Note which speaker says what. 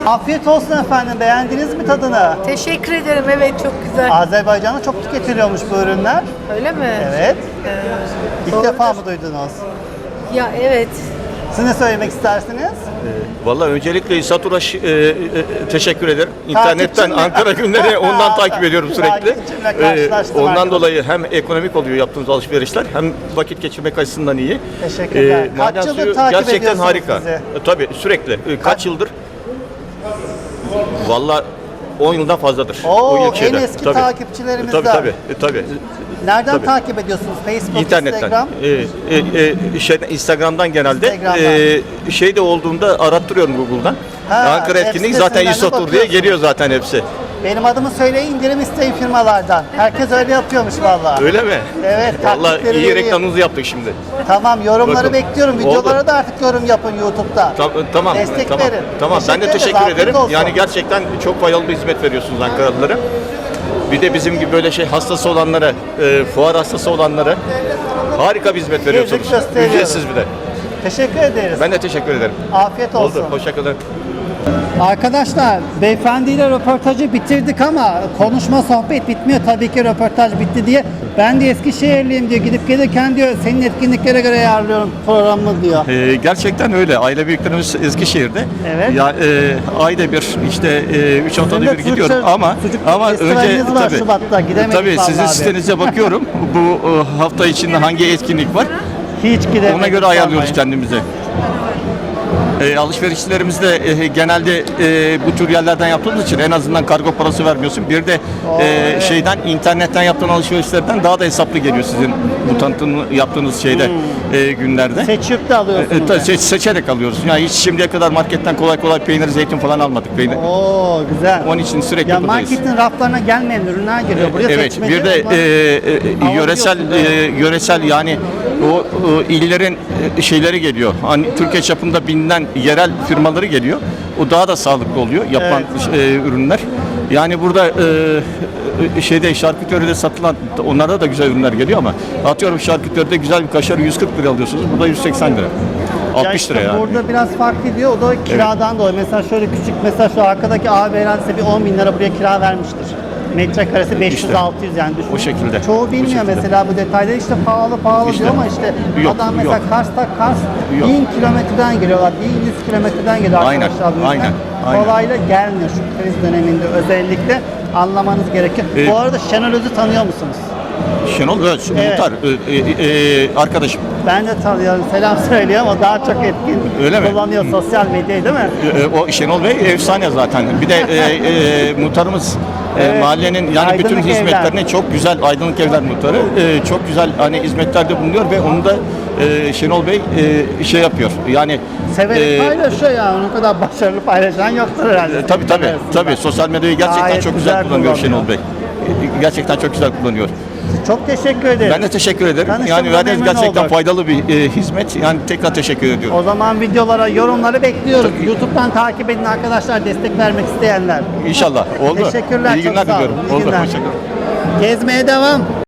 Speaker 1: Afiyet olsun efendim. Beğendiniz mi tadını?
Speaker 2: Teşekkür ederim. Evet, çok güzel.
Speaker 1: Azerbaycan'da çok tüketiliyormuş bu ürünler.
Speaker 2: Öyle mi?
Speaker 1: Evet. İlk
Speaker 2: doğrudur.
Speaker 1: defa mı duydunuz?
Speaker 2: Ya evet.
Speaker 1: Siz ne söylemek istersiniz?
Speaker 3: Vallahi öncelikle İsa Turaş teşekkür ederim. İnternetten
Speaker 1: Takipçimle.
Speaker 3: Ankara günleri ondan takip ediyorum sürekli.
Speaker 1: Takipçimle karşılaştım
Speaker 3: Ondan
Speaker 1: arkadaşlar.
Speaker 3: dolayı hem ekonomik oluyor yaptığımız alışverişler hem vakit geçirmek açısından iyi.
Speaker 1: Teşekkürler. Kaç
Speaker 3: Maden
Speaker 1: yıldır
Speaker 3: suyu
Speaker 1: takip
Speaker 3: gerçekten
Speaker 1: ediyorsunuz
Speaker 3: harika.
Speaker 1: bizi?
Speaker 3: Tabii sürekli. Kaç yıldır? Vallahi 10 yıldan fazladır.
Speaker 1: Oo,
Speaker 3: o ilçede.
Speaker 1: en eski
Speaker 3: Tabii.
Speaker 1: takipçilerimizden.
Speaker 3: Tabii.
Speaker 1: Nereden
Speaker 3: Tabii.
Speaker 1: takip ediyorsunuz? Facebook,
Speaker 3: İnternetten.
Speaker 1: Instagram?
Speaker 3: Instagram'dan genelde.
Speaker 1: Instagram'dan.
Speaker 3: Şey de olduğunda arattırıyorum Google'dan.
Speaker 1: Ha,
Speaker 3: Ankara
Speaker 1: web
Speaker 3: etkinliği zaten
Speaker 1: sitesinden de
Speaker 3: İsotur diye
Speaker 1: bakıyorsunuz.
Speaker 3: geliyor zaten hepsi.
Speaker 1: Benim adımı söyleyin, indirim isteyin firmalardan. Herkes öyle yapıyormuş vallahi.
Speaker 3: Öyle mi?
Speaker 1: Evet,
Speaker 3: Vallahi
Speaker 1: taktikleri
Speaker 3: iyi
Speaker 1: vereyim.
Speaker 3: reklamınızı yaptık şimdi.
Speaker 1: Tamam, yorumları
Speaker 3: Bakın.
Speaker 1: bekliyorum.
Speaker 3: Oldu.
Speaker 1: Videolara da artık yorum yapın YouTube'da.
Speaker 3: Tamam.
Speaker 1: Destek
Speaker 3: Tamam.
Speaker 1: verin.
Speaker 3: Tamam. Ben de
Speaker 1: ederiz,
Speaker 3: teşekkür
Speaker 1: afiyet
Speaker 3: ederim.
Speaker 1: olsun.
Speaker 3: Yani gerçekten çok faydalı bir hizmet veriyorsunuz Ankaralılara. Bir de bizim gibi böyle hastası olanlara, fuar hastası olanlara harika bir hizmet veriyorsunuz.
Speaker 1: gösteriyoruz.
Speaker 3: Ücretsiz bir de.
Speaker 1: Teşekkür ederiz.
Speaker 3: Ben de teşekkür ederim.
Speaker 1: Afiyet olsun.
Speaker 3: Oldu. Hoşçakalın.
Speaker 1: Arkadaşlar, beyefendiyle röportajı bitirdik ama konuşma sohbet bitmiyor. Tabii ki röportaj bitti diye. Ben de Eskişehirliyim diyor. Gidip gelirken diyor senin etkinliklere göre ayarlıyorum programımı diyor.
Speaker 3: Gerçekten öyle. Aile büyüklerimiz Eskişehir'de.
Speaker 1: Evet.
Speaker 3: Ya ayda bir işte 3 haftada
Speaker 1: Sizin de
Speaker 3: bir gidiyorum
Speaker 1: sucuk
Speaker 3: ama
Speaker 1: festivaliniz
Speaker 3: önce
Speaker 1: var
Speaker 3: tabii
Speaker 1: Şubat'ta. Gidemedik
Speaker 3: tabii sizin
Speaker 1: vallahi abi.
Speaker 3: sitenize bakıyorum. Bu hafta içinde hangi etkinlik var?
Speaker 1: Hiç gidemedik.
Speaker 3: Ona göre ayarlıyoruz
Speaker 1: vallahi.
Speaker 3: kendimizi. Alışverişlerimizde genelde bu tür yerlerden yaptığımız için en azından kargo parası vermiyorsun. Bir de
Speaker 1: evet.
Speaker 3: şeyden internetten yaptığın alışverişlerden daha da hesaplı geliyor sizin bu tanıtım yaptığınız şeyde günlerde.
Speaker 1: Seçip de alıyorsunuz.
Speaker 3: Seçerek alıyoruz. Yani hiç şimdiye kadar marketten kolay kolay peynir, zeytin falan almadık. Peynir.
Speaker 1: Oo, güzel.
Speaker 3: Onun için sürekli
Speaker 1: Ya
Speaker 3: buradayız.
Speaker 1: marketin raflarına gelmeyen ürünler geliyor. Buraya
Speaker 3: Evet,
Speaker 1: seçmece
Speaker 3: bir de
Speaker 1: olmaz.
Speaker 3: yöresel yani o illerin şeyleri geliyor. Hani Türkiye çapında bilinen yerel firmaları geliyor. O daha da sağlıklı oluyor yapılan ürünler. Yani burada şeyde şarküteride satılan onlarda da güzel ürünler geliyor ama atıyorum şarküteride güzel bir kaşarı 140 lira alıyorsunuz. Burada 180 lira. 60
Speaker 1: işte
Speaker 3: lira yani.
Speaker 1: Burada biraz fark ediyor. O da kiradan dolayı. Mesela şöyle küçük, mesela şu arkadaki abi herhalde bir 10 bin lira buraya kira vermiştir. Metrekaresi 500-600 yani düşünün.
Speaker 3: O şekilde.
Speaker 1: Çoğu
Speaker 3: O
Speaker 1: bilmiyor
Speaker 3: şekilde.
Speaker 1: mesela bu detayları, işte pahalı
Speaker 3: İşte.
Speaker 1: diyor ama işte
Speaker 3: Yok,
Speaker 1: adam mesela
Speaker 3: yok.
Speaker 1: Kars
Speaker 3: Yok.
Speaker 1: 1000 kilometreden geliyorlar. 1100 kilometreden geliyor
Speaker 3: Aynen,
Speaker 1: arkadaşlar bu yüzden.
Speaker 3: aynen.
Speaker 1: Kolayla gelmiyor şu kriz döneminde özellikle anlamanız gerekiyor. Bu arada Şenol Öz'ü tanıyor musunuz?
Speaker 3: Şenol Öz,
Speaker 1: Evet.
Speaker 3: muhtar, arkadaşım.
Speaker 1: Ben de tanıyorum. Selam söylüyorum. O daha çok etkin
Speaker 3: Öyle mi?
Speaker 1: kullanıyor sosyal medyayı değil mi?
Speaker 3: O Şenol Bey efsane zaten. Bir de muhtarımız
Speaker 1: Evet.
Speaker 3: mahallenin yani bütün
Speaker 1: Aydınlık
Speaker 3: hizmetlerini
Speaker 1: Evler.
Speaker 3: çok güzel, Aydınlık Evler muhtarı çok güzel hani hizmetlerde bulunuyor ve onu da Şenol Bey şey yapıyor. Yani
Speaker 1: Severek paylaşıyor ya. Onun kadar başarılı paylaşan yoktur herhalde.
Speaker 3: tabii sosyal medyayı gerçekten
Speaker 1: Gayet
Speaker 3: çok güzel
Speaker 1: güzel
Speaker 3: kullanıyor
Speaker 1: kullanıyor.
Speaker 3: Şenol Bey. Gerçekten çok güzel kullanıyor.
Speaker 1: Çok teşekkür ederim.
Speaker 3: Ben de teşekkür ederim.
Speaker 1: Tanıştığımıza
Speaker 3: Yani verdiğiniz
Speaker 1: memnun
Speaker 3: gerçekten
Speaker 1: olduk.
Speaker 3: faydalı bir hizmet. Yani tekrar teşekkür ediyorum.
Speaker 1: O zaman videolara, yorumları bekliyoruz. YouTube'dan takip edin arkadaşlar, destek vermek isteyenler.
Speaker 3: İnşallah. Oldu.
Speaker 1: Teşekkürler.
Speaker 3: İyi
Speaker 1: çok
Speaker 3: günler
Speaker 1: sağ olun.
Speaker 3: diliyorum.
Speaker 1: İyi
Speaker 3: Oldu.
Speaker 1: günler.
Speaker 3: Hoşçakalın.
Speaker 1: Gezmeye devam.